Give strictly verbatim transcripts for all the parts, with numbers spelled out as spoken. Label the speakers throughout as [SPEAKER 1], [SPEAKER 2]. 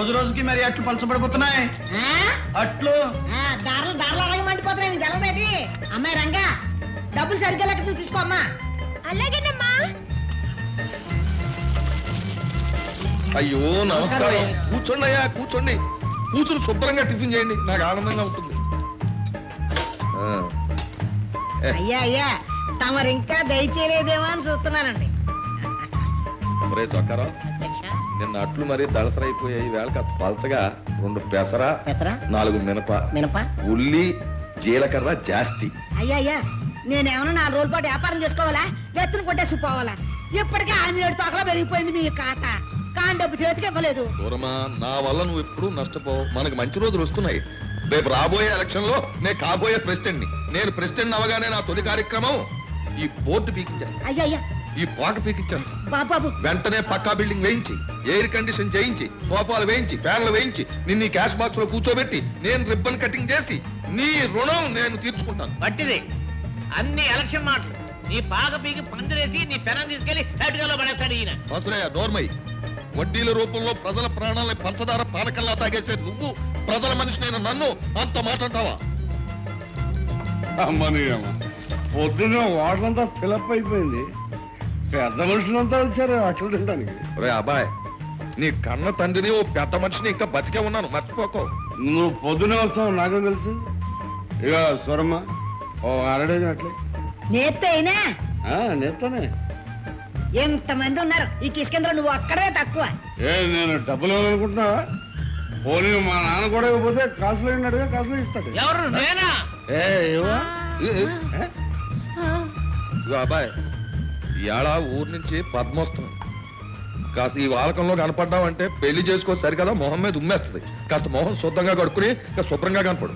[SPEAKER 1] రోజు రోజుకి మరి అట్లు పలచబడిపోతున్నాయి. అట్లు
[SPEAKER 2] దారులు దారులు అలాగే మండిపోతున్నాయి. నీకు తెలవేటి? అమ్మాయి రంగా డబ్బులు సరిగ్గా లెక్క తీసుకో అమ్మా. అలాగేనమ్మా.
[SPEAKER 3] అయ్యో నమస్కారం. కూర్చోండి అయ్యా, కూర్చోండి. కూతురు శుభ్రంగా టిఫిన్ చేయండి, నాకు ఆనందంగా ఉంటుంది.
[SPEAKER 2] అయ్యా అయ్యా తమరు ఇంకా దయచేయలేదేమో అని చూస్తున్నానండి.
[SPEAKER 3] మరే చొక్కారా, నిన్న అట్లు మరీ దళసరైపోయాయి. వేళ కాస్త పలచగా రెండు పెసర, నాలుగు మినప
[SPEAKER 2] మినప
[SPEAKER 3] ఉల్లి, జీలకర్ర జాస్తి.
[SPEAKER 2] అయ్యా అయ్యా నేనేమన్నా నాలుగు రోజుల పాటు వ్యాపారం చేసుకోవాలా? ఎత్తులు కొట్టేసి పోవాలా? ఇప్పటికే ఆంజనేయుడు తోకలో పెరిగిపోయింది మీ కాట. కాని డబ్బు చేతికి ఇవ్వలేదు.
[SPEAKER 3] దూరమా, నా వల్ల నువ్వు ఎప్పుడు నష్టపోవు. మనకు మంచి రోజులు వస్తున్నాయి. రేపు రాబోయే ఎలక్షన్ లో నేను కాబోయే ప్రెసిడెంట్ ని. నేను ప్రెసిడెంట్ అవగానే నా తొలి కార్యక్రమం ఈ బోర్డు పీకించాను.
[SPEAKER 2] అయ్యా అయ్యా
[SPEAKER 3] ఈ పాక పీకించాను.
[SPEAKER 2] బాబు
[SPEAKER 3] వెంటనే పక్కా బిల్డింగ్ వేయించి, ఎయిర్ కండిషన్ చేయించి, సోఫాలు వేయించి, ఫ్యాన్లు వేయించి, నిన్ను క్యాష్ బాక్స్ లో కూర్చోబెట్టి నేను రిబ్బన్ కటింగ్ చేసి నీ రుణం నేను తీర్చుకుంటాను.
[SPEAKER 4] పట్టిది అన్ని ఎలక్షన్ మాటలు. నీ పాక పీకి పందిరేసి నీ పెనం తీసుకెళ్లి సైడ్గా పడేస్తాడు ఈయన.
[SPEAKER 3] వసులయ్య నోర్మై. వడ్డీల రూపంలో ప్రజల ప్రాణాలని పంచదార పానకల్లా తాగేసే నువ్వు ప్రజల మనిషినైన నన్ను అంత మాట్లాడతావా?
[SPEAKER 5] అమ్మని అమ్మ పొద్దున్న వాటంతా ఫిలప్ అయిపోయింది. పెద్ద మనుషులంతా వచ్చారు అట్లు తినడానికి.
[SPEAKER 3] రే అబ్బాయ్, నీ కన్న తండ్రిని ఓ పెద్ద మనిషిని ఇంకా బతికే ఉన్నాను, మర్చిపోకో.
[SPEAKER 5] నువ్వు పొద్దునే వస్తావు నాకేం తెలుసు. ఇక స్వరమ్మ ఓ అరడే అట్లే
[SPEAKER 2] నేత్తైనా
[SPEAKER 5] నేస్తానే.
[SPEAKER 2] ఎంతమంది ఉన్నారు ఈ కిష్కేంద్ర, నువ్వు అక్కడే తక్కువ.
[SPEAKER 5] ఏ నేను డబ్బులు ఇవ్వాలనుకుంటున్నావా? పోనీ మా నాన్న కూడా ఇవ్వకపోతే కాసులు అయినట్టుగా కాసులు ఇస్తాడు.
[SPEAKER 4] ఎవరు నేనా?
[SPEAKER 5] ఏ ఇవ్వ
[SPEAKER 3] అబ్బాయ్, ఇవాళ ఊరు నుంచి పద్మ వస్తుంది. కాస్త ఈ వాలకంలో కనపడ్డావంటే పెళ్లి చేసుకో సరికదా మొహం మీద ఉమ్మేస్తుంది. కాస్త మొహం శుద్ధంగా కడుక్కుని శుభ్రంగా కనపడు.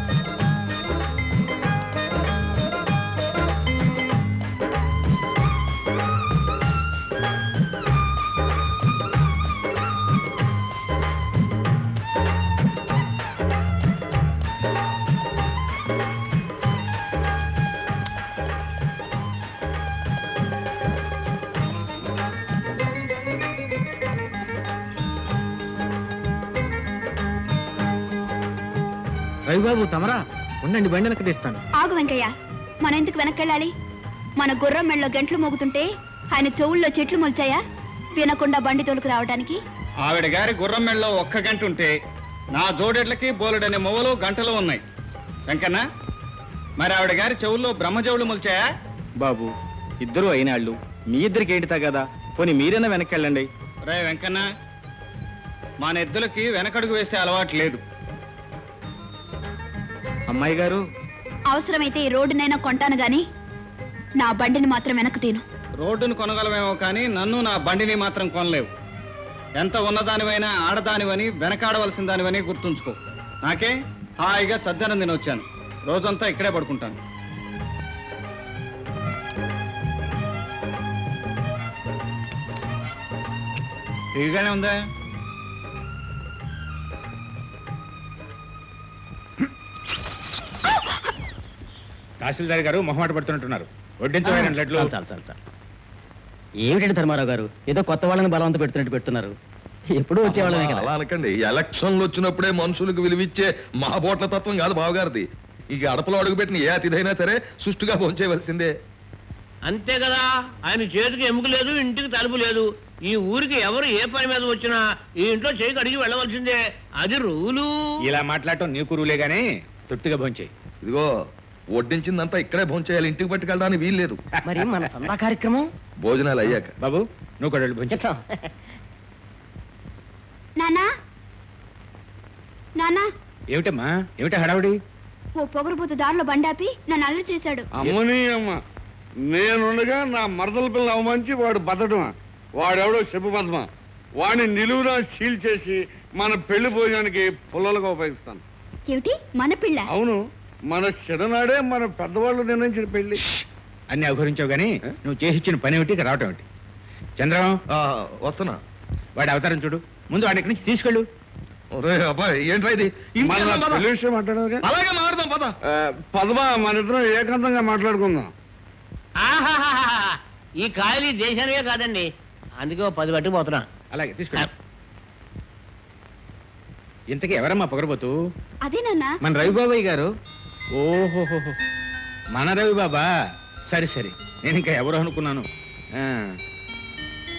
[SPEAKER 6] రవిబాబు తమరా ఉండండి, బండి వెనక్కి తీస్తాను.
[SPEAKER 7] ఆగు వెంకయ్య, మన ఎందుకు వెనక్కెళ్ళాలి? మన గుర్రం మెళ్ళలో గంటలు మోగుతుంటే ఆయన చెవుల్లో చెట్లు మొల్చాయా వినకుండా బండి తోలుకు రావడానికి?
[SPEAKER 8] ఆవిడ గారి గుర్రం మెళ్ళలో ఒక్క గంట ఉంటే నా జోడెడ్లకి బోలెడనే మొవలు గంటలు ఉన్నాయి. వెంకన్న, మరి ఆవిడ గారి చెవుల్లో బ్రహ్మజవులు మొల్చాయా?
[SPEAKER 6] బాబు ఇద్దరు అయినాళ్ళు, మీ ఇద్దరికి ఏంటితా కదా, పోనీ మీరైనా వెనక్కెళ్ళండి.
[SPEAKER 8] రే వెంకన్న, మా నెద్దులకి వెనకడుగు వేసే అలవాటు లేదు.
[SPEAKER 6] అమ్మాయి గారు,
[SPEAKER 7] అవసరమైతే ఈ రోడ్డునైనా కొంటాను గాని నా బండిని మాత్రం వెనక్కి తీను.
[SPEAKER 8] రోడ్డును కొనగలమేమో కానీ నన్ను నా బండిని మాత్రం కొనలేవు. ఎంత ఉన్నదానివైనా ఆడదానివని వెనకాడవలసిన దానివని గుర్తుంచుకో. నాకే హాయిగా చద్దనం తిని వచ్చాను. రోజంతా ఇక్కడే పడుకుంటాను. ఇదిగానే ఉందా?
[SPEAKER 6] తహసీల్దార్ గారు మొహమాట పడుతున్నట్టున్నారు. వడ్డించమైన లడ్లు.
[SPEAKER 9] చాలు చాలు చాలు. ఏమిటండి ధర్మారావు గారు, ఏదో కొత్త వాళ్ళని బలవంత పెడుతున్నట్టు పెడుతున్నారు. ఎప్పుడు వచ్చేవాళ్ళమే కదా.
[SPEAKER 3] అలా అనకండి. ఎలక్షన్లు వచ్చినప్పుడే మనుషులకు విలువిచ్చే మహాబోట్ల తత్వం కాదు బావగారిది. ఇక అడపలో అడుగుపెట్టిన ఏ అతిథైనా సరే సుష్టుగా భోంచేయవలసిందే.
[SPEAKER 4] అంతే కదా. ఆయన చేతికి ఎముక లేదు, ఇంటికి తలుపు లేదు. ఈ ఊరికి ఎవరు ఏ పని మీద వచ్చినా ఈ ఇంట్లో చేయికి అడిగి వెళ్ళవలసిందే. అది రూలు.
[SPEAKER 6] ఇలా మాట్లాడటం నీకు రూలే గానీ తృప్తిగా భోంచేయి.
[SPEAKER 3] ఇదిగో వడ్డించిందంతా ఇక్కడే భోంచేయాలి, ఇంటికి పట్టుకెళ్ళడానికి వీల్లేదు.
[SPEAKER 9] మరి మన సందా కార్యక్రమం
[SPEAKER 3] భోజనాలు అయ్యాక.
[SPEAKER 6] బాబు నువ్వు కూడా భోంచేస్తాం.
[SPEAKER 7] నానా నానా
[SPEAKER 6] ఏమిటమ్మా, ఏమిటా హడావుడి?
[SPEAKER 7] ఓ పొగరుబోతు దారిలో బండాపి నన్ను అల్లరి చేశాడు.
[SPEAKER 5] అమ్మని అమ్మ, నేనుండగా నా మరదల పిల్ల అవమానించి వాడు బతడమా? వాడెవడో చెప్పు పద్మ. వాడిని నిలువునా సీల్ చేసి మన పెళ్లి భోజనానికి పుల్లలుగా ఉపయోగిస్తాను.
[SPEAKER 7] ఏమిటి మన పిల్ల?
[SPEAKER 5] అవును, మన చిన్ననాడే మన పెద్దవాళ్ళు నిర్ణయించిన పెళ్లి.
[SPEAKER 6] అన్ని అవహరించావు గానీ నువ్వు చేసిచ్చిన పని ఏమిటి, రావటం ఏమిటి? చంద్రం
[SPEAKER 3] వస్తున్నా.
[SPEAKER 6] వాడి అవతారం చూడు. ముందు వాడి ఇక్కడి నుంచి తీసుకెళ్ళు.
[SPEAKER 3] అబ్బాయి ఏంట్రా ఇది?
[SPEAKER 5] పెళ్లి విషయం మాట్లాడదు.
[SPEAKER 3] అలాగే మాట్లాడదాం పద.
[SPEAKER 5] పద్మ, మన ఇద్దరం ఏకాంతంగా మాట్లాడుకుందాం.
[SPEAKER 4] ఆహాహా, ఈ కాయలు దేశానివే కాదండి, అందుకే పది పట్టుకుపోతున్నా.
[SPEAKER 6] అలాగే తీసుకెళ్ళు. ఇంతకీ ఎవరమ్మా పొగరబోతు?
[SPEAKER 7] అదే నాన్న.
[SPEAKER 6] మన రవిబాబాయ్ గారు. ఓహోహో, మన రవిబాబా. సరే సరే, నేను ఇంకా ఎవరు అనుకున్నాను. ఆ